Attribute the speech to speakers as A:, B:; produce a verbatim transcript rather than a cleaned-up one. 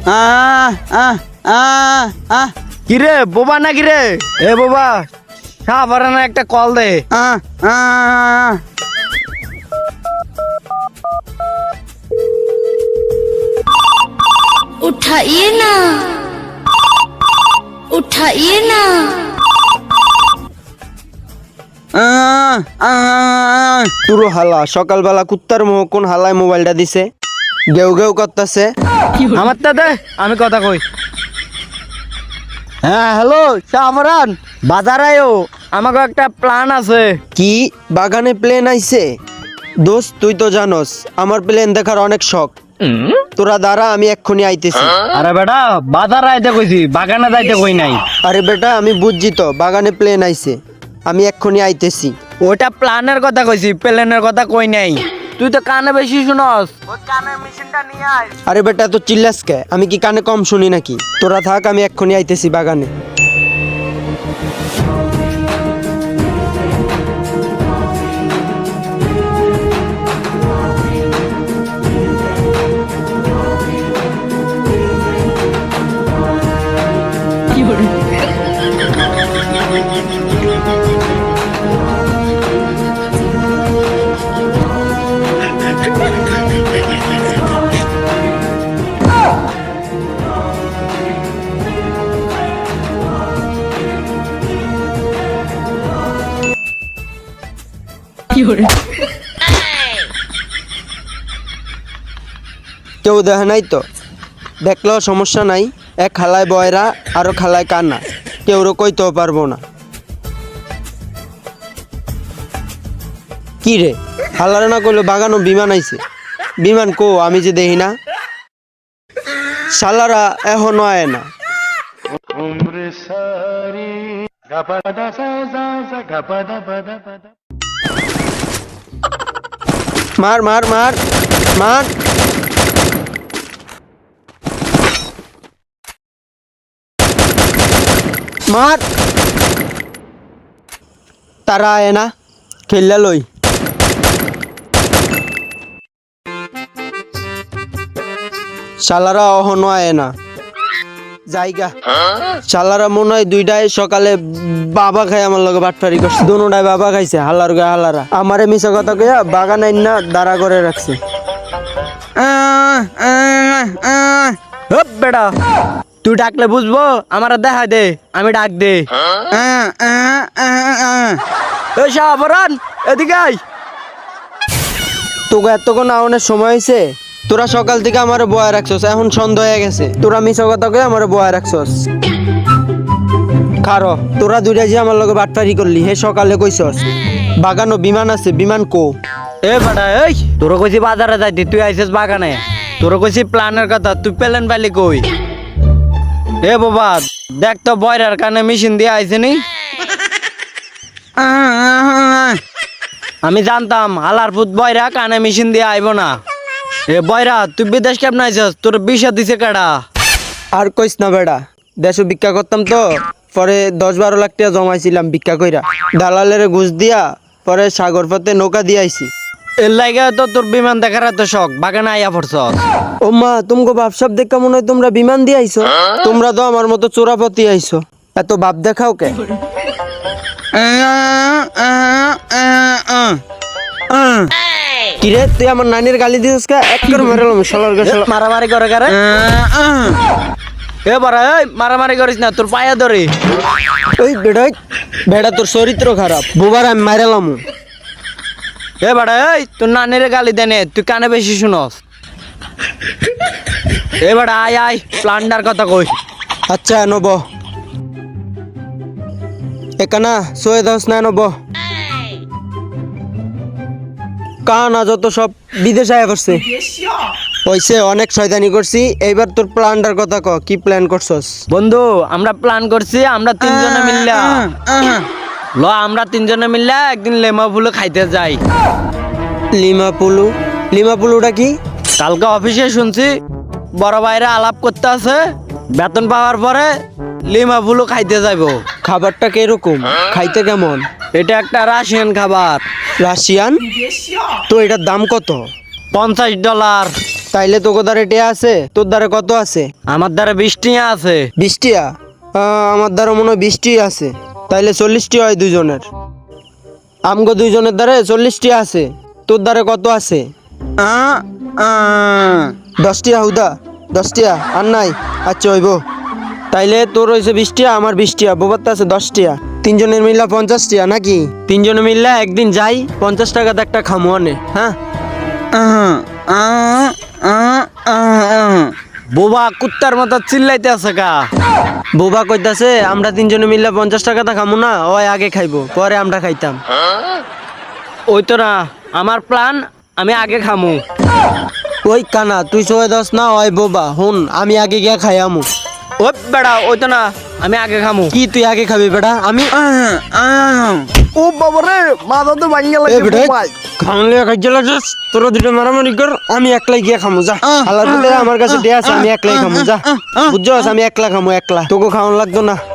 A: আহ আহ আহ আহ
B: কিরে বোবা না কিরে? এ বোবা সাহাবারানা একটা কল দে।
A: আহ আহ
C: उठाइए ना उठाइए ना
A: আহ আহ তুরো হালা সকালবেলা কুত্তার মুহ কোন হালায় মোবাইলটা দিছে গেউ গেউ করতেছে।
B: আমার তা দে আমি কথা কই। হ্যাঁ হ্যালো সাহাবারান, বাজার আয়ো, আমাকে একটা প্ল্যান আছে।
A: কি বাগানে প্লেন আইছে? দোস্ত তুই তো জানোস আমার প্লেন দেখার অনেক শখ। তোরা দাঁড়া আমি এক্ষুনি আইতেছি।
B: আরে বেটা বাজার আইতে কইছি, বাগানে যাইতে কই নাই।
A: আরে বেটা আমি বুঝছি তো বাগানে প্লেন আইছে, আমি এক্ষুনি আইতেছি।
B: ওটা প্ল্যানের কথা কইছি, প্লেনের কথা কই নাই। তুই তো কানে বেশি শুনস, ওই কানের মেশিনটা নিয়ে আয়।
A: আরে বেটা তো চিল্লাস কে? আমি কি কানে কম শুনি নাকি? তোরা থাক আমি এক্ষুনি আইতেছি বাগানে। কেউ দেখে নাই তো? দেখলেও সমস্যা নাই, এক খালায় বয়রা আরো খালায় কান্না, কেউ কইতেও পারবো না। কি রে হালারে না কইলো বাগানো বিমান আইছে? বিমান কো আমি যে দেখি না। শালারা এখনো আয় না। মার মার মার মার। মার তারা আয় না, খেললা লই। শালারা অহনো আয় না জায়গা। শালারা মনে হয় দুইটাই সকালে বাবা খাই আমার লগে বাটফারি করছে, দুটাই বাবা খাইছে। হালার গায়ে হালারা আমারে মিছা কথা কইয়া বাগান আইন না দাঁড়া করে রাখছে।
B: হপ বেটা তুই ডাকলে বুঝবো, আমার দেখা দে, আমি ডাক দে। এই সাহাবারান এদিকে আয়।
A: তোকে এতক্ষণ আউনের সময় হয়েছে? তোরা সকাল থেকে আমার বয়া রাখছস, এখন সন্ধ্যা হয়ে গেছে, তোরা মিছা কথা কয়ে আমার বয়া রাখছস। খারো তোরা দুইটা যে আমার লগে বাটপারি করলি, হে সকালে কইছস বাগানো বিমান আছে, বিমান কো?
B: এ বেটা এই তোর কইছি বাজারে যাইতি, তুই আইছিস বাগানে। তোর কইছি প্ল্যানের কথা, তুই প্লেন পাইলি কই? এ বাবা দেখ তো বয়রার কানে মেশিন দিয়ে আইছে নি। আমি জানতাম হালার ফুট বয়রা কানে মেশিন দিয়ে আইব না। এ বয়রা তুই বিদেশ কেমন আইছিস? তোর বিষা দিছে কেডা?
A: আর কইস না বেড়া, দেশ ভিক্ষা করতাম তো, পরে দশ বারো লাখ টাকা জমাইছিলাম ভিক্ষা কইরা, দালালের ঘুষ দিয়া পরে সাগর পথে নৌকা দিয়ে আইছি।
B: এর লাগে তো তোর বিমান দেখার এত শখ, বাগানে আইয়া পড়ছস।
A: ও মা তুমগো বাপসাপ দেখা মনে হয় তোমরা বিমান দিয়ে আইছো। তোমরা তো আমার মতো চোরাপতি আইছো, এত বাপ দেখাও কে? কিরে তুই আমার নানির গালি দিছিস কে? এক করে মেরেলাম শালার গা শালা।
B: মারামারি করে কারে? এ বড়া এই মারামারি করিস না, তোর পায়ে ধরে।
A: ওই বেড়া বেড়া তোর চরিত্র খারাপ, বুবার আমি মারেলাম।
B: এ বড়া এই তোর নানির গালি দেনে, তুই কানে বেশি শুনস। এ বড়া আয় আয় প্লান্ডার কথা কই।
A: আচ্ছা নব একানা সোয়ে দশ না নব কানা যত সব বিদেশ আয়া করছে। ওইসে অনেক শয়তানি করছি, এইবার তোর প্ল্যানটার কথা ক, কি প্ল্যান করছস?
B: বন্ধু আমরা প্ল্যান করছি, আমরা তিনজনে মিললা ল আমরা তিনজনে মিললা একদিন লেমা ফুলো খাইতে যাই।
A: লিমা পুলু? লিমা পুলুটা কি?
B: কালকে অফিসে শুনছি বড় ভাইরা আলাপ করতে আছে, বেতন পাওয়ার পরে লিমা ফুলো খাইতে যাইবো।
A: খাবারটা কিরকম, খাইতে কেমন?
B: এটা একটা রাশিয়ান খাবার।
A: রাশিয়ান? তো এটার দাম কত?
B: পঞ্চাশ ডলার।
A: তাইলে তোকে দ্বারে টিয়া আছে, তোর দ্বারে কত আছে?
B: আমার দ্বারা বৃষ্টি আছে।
A: বিশটিয়া? আমার দ্বারা মনে হয় বিশটি আছে। তাইলে চল্লিশটি হয় দুইজনের। আমগো দুইজনের দ্বারে চল্লিশটি আছে, তোর দ্বারে কত আছে?
B: আহ, আহ।
A: দশটিয়া হুদা, দশটিয়া আর নাই। আচ্ছা হইব। তাইলে তোর হয়েছে বিশটিয়া, আমার বিশটিয়া, বোবারটা আছে দশটিয়া। তিনজনের মিল্লা পঞ্চাশটিয়া নাকি? তিনজনে মিল্লা একদিন যাই, পঞ্চাশ টাকাতে একটা খামু আনে। হ্যাঁ,
B: আহ, আহ, আহ, আহ, আহ। বোবা কুত্তার মতো চিল্লাইতে আছে কা?
A: বোবা কইতাছে আমরা তিনজনে মিল্লা পঞ্চাশ টাকাটা খামু না, ওই আগে খাইবো, পরে আমরা খাইতাম।
B: ওই তো না আমার প্ল্যান, আমি আগে খামু।
A: ওই কানা তুই সোয়ে দশ না, ওই বোবা হুন, আমি আগে গিয়া খাই আমু।
B: ও বেড়া, ওই তো না আমি আগে খামু।
A: কি তুই আগে খাবি বেটা? আমি
B: ও বাবা রে, মাথা তো ভাঙিয়ে
A: এ বেটা খাওয়ালে খাইতে লাগছিস, তোরা দুটো মারামারি কর, আমি একলাই গিয়া খামু যা। আল্লাহ আমার কাছে দেয়া আছে, আমি একলাই খামু যা। বুঝছস, আমি একলা খামু, একলা, তোকে খাওয়ান লাগতো না।